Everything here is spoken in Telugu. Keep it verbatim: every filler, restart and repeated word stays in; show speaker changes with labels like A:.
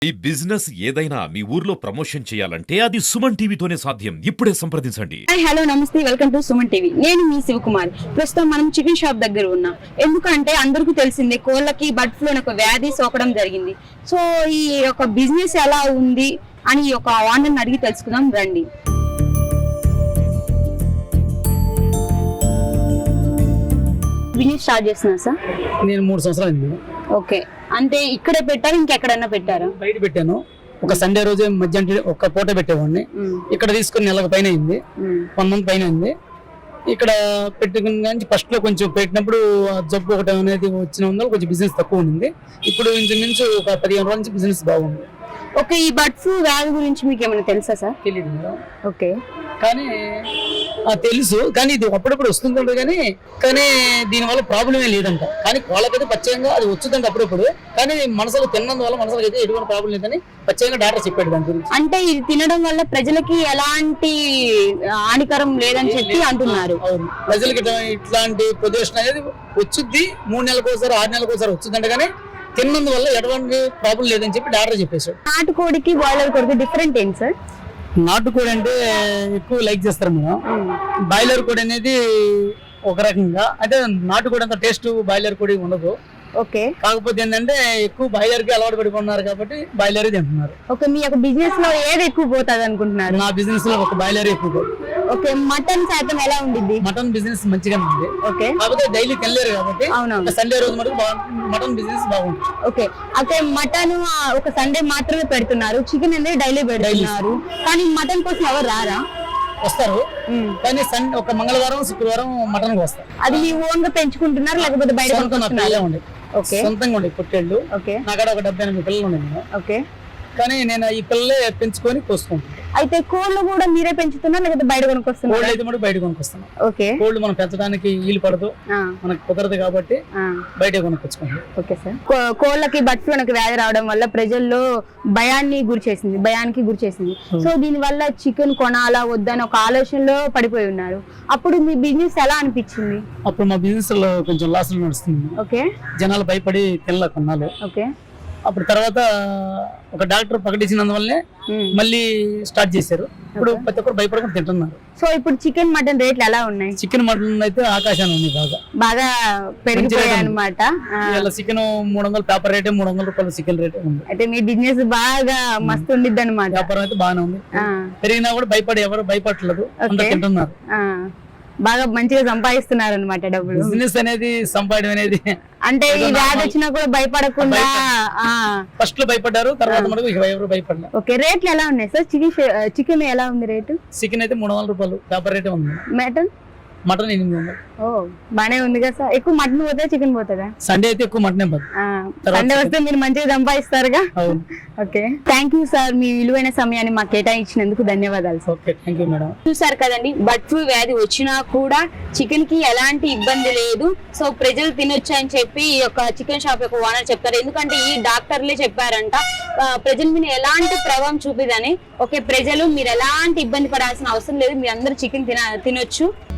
A: ఈ బిజినెస్ ఏదైనా మీ ఊర్లో ప్రమోషన్ చేయాలంటే అది సుమన్ టీవీతోనే సాధ్యం. ఇప్పుడే సంప్రదించండి.
B: హలో నమస్తే, వెల్కమ్ టు సుమన్ టీవీ. నేను మీ శివకుమార్. ప్రస్తుతం మనం చికెన్ షాప్ దగ్గర ఉన్నాం. ఎందుకంటే అందరికీ తెలిసిందే కోళ్ళకి బర్డ్ ఫ్లూ అనే ఒక వ్యాధి సోకడం జరిగింది. సో ఈ యొక్క బిజినెస్ ఎలా ఉంది అని ఒక ఓనర్ని అడిగి తెలుసుకుందాం రండి. బిజినెస్ స్టార్ట్ చేస్తున్నా సార్?
C: నేను మూడు సంవత్సరాలు అయింది.
B: ఓకే, అంటే ఇక్కడే పెట్టారా ఇంకెక్కడన్నా పెట్టారా?
C: బయట పెట్టాను. ఒక సండే రోజే మధ్యాహ్నం ఒక పూట పెట్టేవాడిని. ఇక్కడ తీసుకుని నెలకు పైన అయింది, వన్ మంత్ పైన అయింది. ఇక్కడ పెట్టుకుని కానీ ఫస్ట్ లో కొంచెం పెట్టినప్పుడు జబ్బు ఒకటి అనేది వచ్చిన వల్ల కొంచెం బిజినెస్ తక్కువ ఉంది. ఇప్పుడు ఇంచుమించు ఒక పదిహేను రోజుల నుంచి బిజినెస్ బాగుంది.
B: ఓకే, ఈ బర్డ్ ఫ్లూ వ్యాధి గురించి మీకు ఏమైనా తెలుసా సార్?
C: తెలియదు మేడం.
B: ఓకే,
C: కానీ తెలుసు, కానీ ఇది అప్పుడప్పుడు వస్తుందంట. కానీ కానీ దీనివల్ల ప్రాబ్లమే లేదంట. కానీ వాళ్ళకైతే పచ్చయంగా అది వచ్చుదంట అప్పుడప్పుడు. కానీ మనసులో తిన్నందువల్ల మనసులకు అయితే ఎటువంటి ప్రాబ్లం లేదని పచ్చయంగా డాక్టర్ చెప్పాడు దాని గురించి.
B: అంటే ఇది తినడం వల్ల ప్రజలకి ఎలాంటి హానికరం లేదని చెప్పి అంటున్నారు.
C: అవును, ప్రజలకి ఇట్లాంటి పొజిషన్ అనేది వచ్చుద్ది. మూడు నెలలకు ఒకసారి ఆరు నెలలకు ఒకసారి వచ్చుద్దంట. కానీ తిన్నందువల్ల ఎటువంటి ప్రాబ్లం లేదని చెప్పి డాక్టర్ చెప్పేశాడు.
B: నాటుకోడికి బాయిలర్ కోడికి డిఫరెంట్ ఏంటి సార్?
C: నాటుకోడి అంటే ఎక్కువ లైక్ చేస్తారు మేము. బాయిలర్ కోడి అనేది ఒక రకంగా, అయితే నాటుకోడి అంత టేస్ట్ బాయిలర్ కోడి ఉండదు.
B: ఓకే,
C: కాకపోతే ఏంటంటే ఎక్కువ బాయిలర్ కి అలవాటు పడిపోతున్నారు కాబట్టి బాయిలర్ తింటున్నారు.
B: ఓకే, మీ యొక్క బిజినెస్ లో ఏది ఎక్కువ పోతుంది అనుకుంటున్నారు?
C: నా బిజినెస్ లో ఒక బాయిలర్ ఎక్కువ.
B: ఓకే, మటన్ శాతం ఎలా ఉండిద్ది?
C: మటన్ బిజినెస్ మంచిగా ఉంది.
B: ఓకే,
C: కాకపోతే డైలీ తినలేరు కాబట్టి
B: అవునవును
C: సండే రోజు మటుకు మటన్ బిజినెస్ బాగుంటుంది.
B: ఓకే, అయితే మటన్ ఒక సండే మాత్రమే పెడుతున్నారు, చికెన్ అనేది డైలీ పెడుతున్నారు. కానీ మటన్ కోసం ఎవరు రారా?
C: వస్తారు, కానీ సండే ఒక మంగళవారం శుక్రవారం మటన్ వస్తారు.
B: అది మీ ఓన్ గా పెంచుకుంటున్నారు లేకపోతే బయట
C: ఉండే?
B: ఓకే,
C: సొంతంగా ఉండే పొట్టేళ్ళు.
B: ఓకే,
C: నాకడ ఒక డెబ్బై ఎనిమిది పిల్లలు ఉన్నాయి.
B: ఓకే,
C: కానీ నేను ఈ పిల్లలే పెంచుకొని కోసుకుంటాను.
B: అయితే కోళ్ళు కూడా మీరే పెంచుతున్నారు లేకపోతే బయట కొనుక్కొస్తున్నారు?
C: కోళ్ళు అయితే బయట కొనుక్కొస్తాను.
B: ఓకే,
C: కోళ్ళు మనం పెంచడానికి వీలు పడదు, మనకు కుదరదు కాబట్టి బయట కొనుక్కొచ్చుకుంటాం.
B: Okay sir. కోళ్ళకి బర్డ్ ఫ్లూ అనే వ్యాధి రావడం వల్ల ప్రజల్లో భయాన్ని గురి చేసింది, భయానికి గురి చేసింది. సో దీని వల్ల చికెన్ కొనాలా వద్దని ఒక ఆలోచనలో పడిపోయి ఉన్నారు. అప్పుడు మీ బిజినెస్ ఎలా అనిపించింది?
C: అప్పుడు మా బిజినెస్ లో కొంచెం లాస్ నడుస్తుంది.
B: ఓకే,
C: జనాలు భయపడి తినలే కొన్నాళ్ళు.
B: ఓకే,
C: అప్పుడు తర్వాత ఒక డాక్టర్ ప్రకటించినందువల్లే మళ్ళీ స్టార్ట్ చేశారు. ఇప్పుడు ప్రతి ఒక్కరు భయపడకుండా తింటున్నారు.
B: సో ఇప్పుడు చికెన్ మటన్ రేట్లు ఎలా ఉన్నాయి?
C: చికెన్ మటన్ అయితే ఆకాశాన్ని ఉంది, బాగా
B: బాగా పెరిగిపోయాయి అనమాట.
C: చికెన్ మూడు వందలు పేపర్ రేటే, మూడు వందల రూపాయలు చికెన్ రేటే ఉంది.
B: అయితే మీ బిజినెస్ బాగా మస్తు ఉండిద్ది అనమాట.
C: వ్యాపారం అయితే బాగానే ఉంది. పెరిగినా కూడా భయపడి ఎవరు భయపడలేదు, తింటున్నారు.
B: బాగా మంచిగా సంపాదిస్తున్నారు అనమాట డబ్బులు.
C: బిజినెస్ అనేది సంపాదన అనేది
B: అంటే ఈ వ్యాధి వచ్చినా కూడా భయపడకుండా
C: ఫస్ట్ లో భయపడ్డారు, తర్వాత మనకు ఎవరు భయపడలేదు.
B: ఓకే, రేట్లు ఎలా ఉన్నాయి సార్? చికెన్ చికెన్ ఎలా ఉంది రేటు?
C: చికెన్ అయితే మూడు వందల రూపాయలు పేపర్ రేటే ఉంది.
B: మటన్
C: మటన్ ఎనిమిది వందలు.
B: ఓ బానే ఉంది కదా సార్. ఎక్కువ మటన్ పోతే చికెన్ పోతుందా?
C: సండే అయితే ఎక్కువ మటన్
B: సండే వస్తే మీరు మంచిగా సంపాదిస్తారుగా. ఓకే, థ్యాంక్ యూ సార్, మీ విలువైన సమయాన్ని మాకు కేటాయించినందుకు ధన్యవాదాలు sir.
C: Okay, thank you madam.
B: చూసారు కదండి, బర్డ్ ఫ్లూ వ్యాధి వచ్చినా కూడా చికెన్ కి ఎలాంటి ఇబ్బంది లేదు. సో ప్రజలు తినొచ్చు అని చెప్పి ఈ యొక్క చికెన్ షాప్ యొక్క ఓనర్ చెప్తారు. ఎందుకంటే ఈ డాక్టర్లే చెప్పారంట ప్రజల మీద ఎలాంటి ప్రభావం చూపిదని. ఓకే, ప్రజలు మీరు ఎలాంటి ఇబ్బంది పడాల్సిన అవసరం లేదు, మీరు అందరూ చికెన్ తిన తినొచ్చు.